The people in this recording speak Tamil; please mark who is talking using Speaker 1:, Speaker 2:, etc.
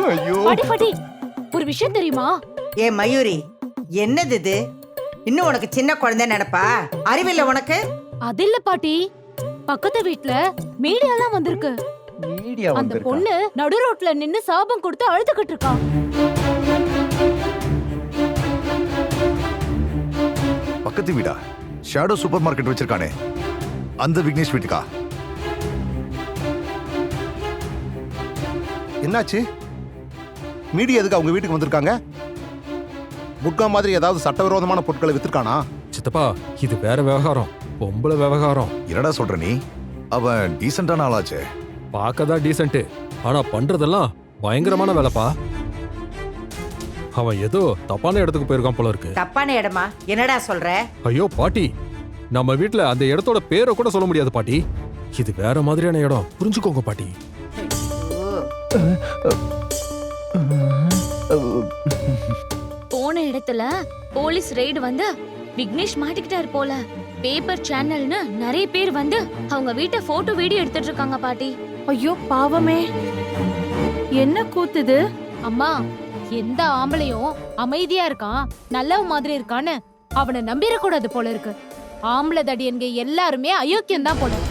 Speaker 1: ஐயோ
Speaker 2: பாட்டி பாட்டி, ஒரு விஷயம் தெரியுமா?
Speaker 3: ஏ மயூரி, என்னது இது? இன்னும் உனக்கு சின்ன குழந்தை நினைப்பா? அறிவில்ல உனக்கு?
Speaker 2: அது இல்ல பாட்டி, பக்கத்து வீட்ல மீடியாலாம் வந்திருக்கு.
Speaker 1: மீடியா
Speaker 2: அந்த
Speaker 1: வந்திருக்கா?
Speaker 2: பொண்ணு நடு ரோட்ல நின்னு சாபம் கொடுத்து அழுதுகிட்டு இருக்கா.
Speaker 4: பக்கத்து வீடா? ஷேடோ சூப்பர் மார்க்கெட் வச்சிருக்கானே, அந்த விக்னேஷ் வீட்டுக்கா?
Speaker 5: என்னாச்சு? மீடியா எதுக்கு அவங்க வீட்டுக்கு வந்திருக்காங்க? புட்கா மாதிரி ஏதாவது சட்டவிரோதமான பொருட்களை வித்துருக்கானா?
Speaker 6: சித்தப்பா, இது வேற விவகாரம், பொம்பளை விவகாரம்.
Speaker 4: என்னடா சொல்ற நீ? அவன் டீசென்டான ஆளாச்சே.
Speaker 6: பார்க்கதான் டீசென்ட், ஆனா பண்றதெல்லாம் பயங்கரமான வேலைப்பா. அவன் ஏதோ தப்பான இடத்துக்கு போயிருக்கான் போல இருக்கு.
Speaker 3: தப்பான இடமா? என்னடா சொல்ற?
Speaker 6: ஐயோ பாட்டி, நம்ம வீட்ல அந்த இடத்தோட பேரை கூட சொல்ல முடியாது பாட்டி. இது வேற மாதிரியான இடம், புரிஞ்சுக்கோங்க பாட்டி.
Speaker 7: போன இடத்துல போலீஸ் ரெய்டு வந்து விக்னேஷ் மாட்டிக்கிட்டாரு போல. பேப்பர் சேனல்னு நிறைய பேர் வந்து அவங்க வீட்டை போட்டோ வீடியோ எடுத்துட்டு இருக்காங்க பாட்டி.
Speaker 8: ஐயோ பாவமே, என்ன கூத்துது?
Speaker 2: அம்மா, எந்த ஆம்பளையும் அமைதியா இருக்கான், நல்லவ மாதிரி இருக்கான்னு அவனை நம்பிடக்கூடாது போல இருக்கு. ஆம்பளை தடியன்க எல்லாருமே அயோக்கியம் தான் போல.